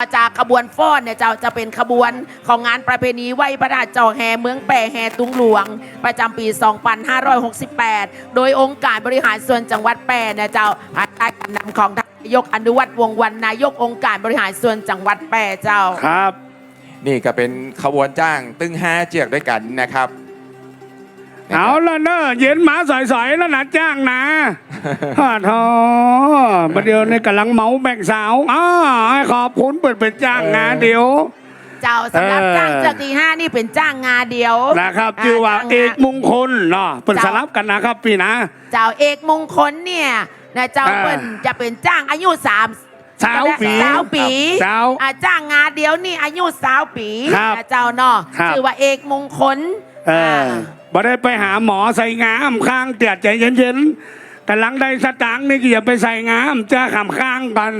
จากขบวนฟ้อนเนี่ยจะเป็นขบวนของงานประเพณีไหว้พระธาตุเจ้าแห่เมืองแปะแห่ตุงหลวงประจำปี 2568 โดยองค์การบริหารส่วนจังหวัดแปะเนี่ยภายใต้การนำของท่านนายกอนุวัฒน์วงศ์วรรณนายกองค์การบริหารส่วนจังหวัดแปะเจ้าครับนี่ก็เป็นขบวนจ้างตึ้ง5เจือกด้วยกันนะครับเอาละเนอะเย็นหมาใสๆแล้วนะจ้างนะฮ่าทอประเดี๋ยวนี้กำลังเมาแบ่งสาวขอบคุณเปิดเป็นจ้างงานเดียวเจ้าสำหรับจ้างเจือกที่5นี่เป็นจ้างงาเดียวนะครับชื่อว่าเอกมงคลเนาะเป็นสลับกันนะครับพี่นะเจ้าเอกมงคลเนี่ยนะเจ้าเปิ้นจะเป็นจ้างอายุ3 20 ปีจ้างงาเดียวนี่อายุ20 ปีเจ้าเนาะชื่อว่าเอกมงคลบ่ได้ไปหาหมอใส่งามข้างเตียดใจเย็นๆกำลังได้สตางค์นี่ก็อย่าไปใส่งามจะขำข้างกัน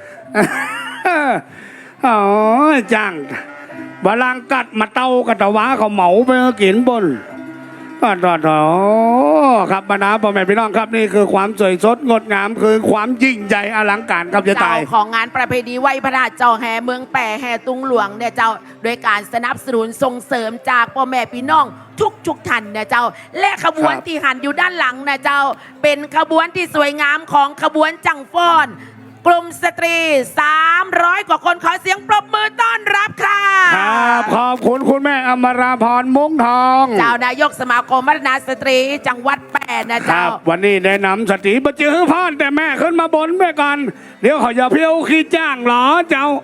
โอ้ยจ้างบาลังกัดมาเต้ากระตะวะเขาเหมาไปกินบนครับบรรดาพ่อแม่พี่น้องครับนี่คือความสวยสดงดงามคือความยิ่งใหญ่อลังการครับจะตายของงานประเพณีไหว้พระธาตุเจ้าแห่เมืองแปะแห่ตุงหลวงเนี่ยเจ้าโดยการสนับสนุนส่งเสริมจากพ่อแม่พี่น้องทุกท่านเนี่ยเจ้าและขบวนที่หันอยู่ด้านหลังนะเจ้าเป็นขบวนที่สวยงามของขบวนจังฟ้อนกลุ่มสตรี300 กว่าคนขอเสียงปรบมือต้อนรับค่ะครับขอบคุณคุณแม่อมราพรมุ้งทองเจ้านายกสมาคมพัฒนาสตรีจังหวัดแปะนะเจ้าวันนี้แนะนำสตรีประจือพอนแต่แม่ขึ้นมาบนไปก่อนเดี๋ยวเขาจะเพี้ยวขี้จ้างหรอเจ้า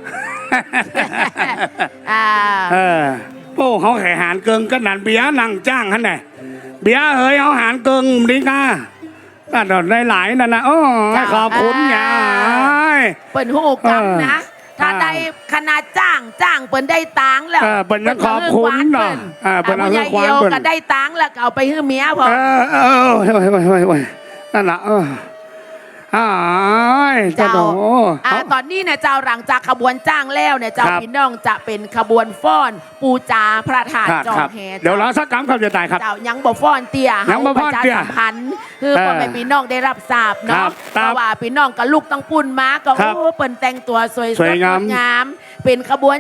โป้เขาแข่หารเกิงกันนันเบียนั่งจ้างฮะเนี่ยเบียเฮ้ยเขาหารเกิงดีก้าก็ได้หลายนั่นนะขอบคุณยายเปิ่นหูกังนะถ้าได้ขนาดจ้างเปิ่นได้ตังแล้วเปิ่นขอบคุณเนาะเปิ่นเอาเยี่ยวก็ได้ตังแล้วเอาไปให้เมียพอนั่นแหละเจ้าตอนนี้เนี่ยเจ้าหลังจากขบวนจ้างแล้วเนี่ยเจ้าพี่น้องจะเป็นขบวนฟ้อนปูจาพระธาตุจอมแห่เดี๋ยวเราสักคำครับจะตายครับเจ้ายังบ่ฟ้อนเตี้ยยังบ่ฟ้อนเตี้ยสัมพันธ์คือพ่อแม่พี่น้องได้รับทราบเนาะเพราะว่าพี่น้องกับลูกต้องปุ่นมาก็เปิ่นแต่งตัวสวยงามเป็นขบวน